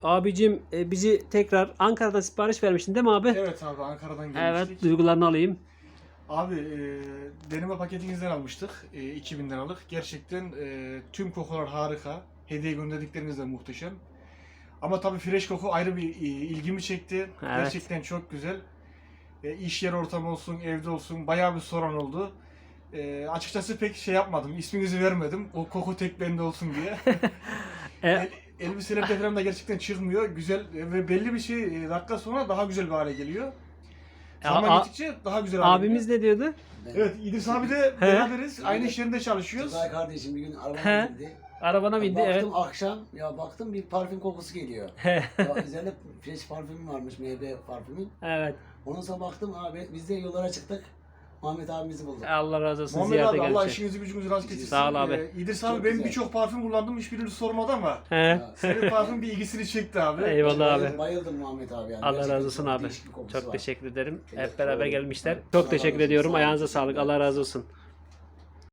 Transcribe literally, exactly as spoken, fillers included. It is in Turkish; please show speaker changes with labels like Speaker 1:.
Speaker 1: Abicim e, bizi tekrar Ankara'dan sipariş vermiştin değil mi abi?
Speaker 2: Evet abi, Ankara'dan gelmiştik.
Speaker 1: Evet, duygularını alayım.
Speaker 2: Abi e, deneme paketinizden almıştık. E, iki bin liralık. Gerçekten e, tüm kokular harika. Hediye gönderdikleriniz de muhteşem. Ama tabii fresh koku ayrı bir e, ilgimi çekti.
Speaker 1: Evet.
Speaker 2: Gerçekten çok güzel. E, iş yer ortamı olsun, evde olsun bayağı bir sorun oldu. E, açıkçası pek şey yapmadım. İsminizi vermedim. O koku tek bende olsun diye.
Speaker 1: E,
Speaker 2: El, elbiselerde falan da gerçekten çıkmıyor. Güzel ve belli bir şey e, dakika sonra daha güzel bir hale geliyor. Zaman
Speaker 1: a-
Speaker 2: geçtikçe daha güzel hale
Speaker 1: abimiz
Speaker 2: geliyor.
Speaker 1: ne diyordu?
Speaker 2: Evet, İdris abi de beraberiz. Aynı iş yerinde çalışıyoruz.
Speaker 3: Tugay kardeşim bir gün
Speaker 1: He.
Speaker 3: arabama bindi.
Speaker 1: Arabana bindi,
Speaker 3: baktım
Speaker 1: evet.
Speaker 3: akşam, ya baktım bir parfüm kokusu geliyor. Ya üzerinde fresh parfümüm varmış, meyve parfümü.
Speaker 1: Evet.
Speaker 3: Ondan sonra baktım abi biz de yollara çıktık. Muhammed abimizi bulduk.
Speaker 1: Allah razı olsun,
Speaker 2: Muhammed
Speaker 1: ziyarete
Speaker 2: abi Allah
Speaker 1: gelmiş.
Speaker 2: işinizi gücünüzü rast getirsin.
Speaker 1: Sağ ol abi.
Speaker 2: Ee, İdris
Speaker 3: Çok
Speaker 2: abi ben
Speaker 3: güzel.
Speaker 2: birçok parfüm kullandım, hiçbirini sormadı ama
Speaker 1: He.
Speaker 2: senin parfüm bir ilgisini çekti abi.
Speaker 1: Eyvallah abi.
Speaker 3: Bayıldım, bayıldım Muhammed abi. Yani.
Speaker 1: Allah
Speaker 3: Gerçekten
Speaker 1: razı olsun
Speaker 3: çok
Speaker 1: abi.
Speaker 3: değişik bir kokusu
Speaker 1: Çok
Speaker 3: var.
Speaker 1: teşekkür ederim.
Speaker 3: Evet,
Speaker 1: Hep beraber
Speaker 3: doğru.
Speaker 1: gelmişler.
Speaker 3: Evet.
Speaker 1: Çok
Speaker 3: Allah
Speaker 1: teşekkür
Speaker 3: razı olsun.
Speaker 1: ediyorum.
Speaker 3: Sağ olun.
Speaker 1: Ayağınıza sağlık.
Speaker 3: Teşekkürler.
Speaker 1: Allah razı olsun.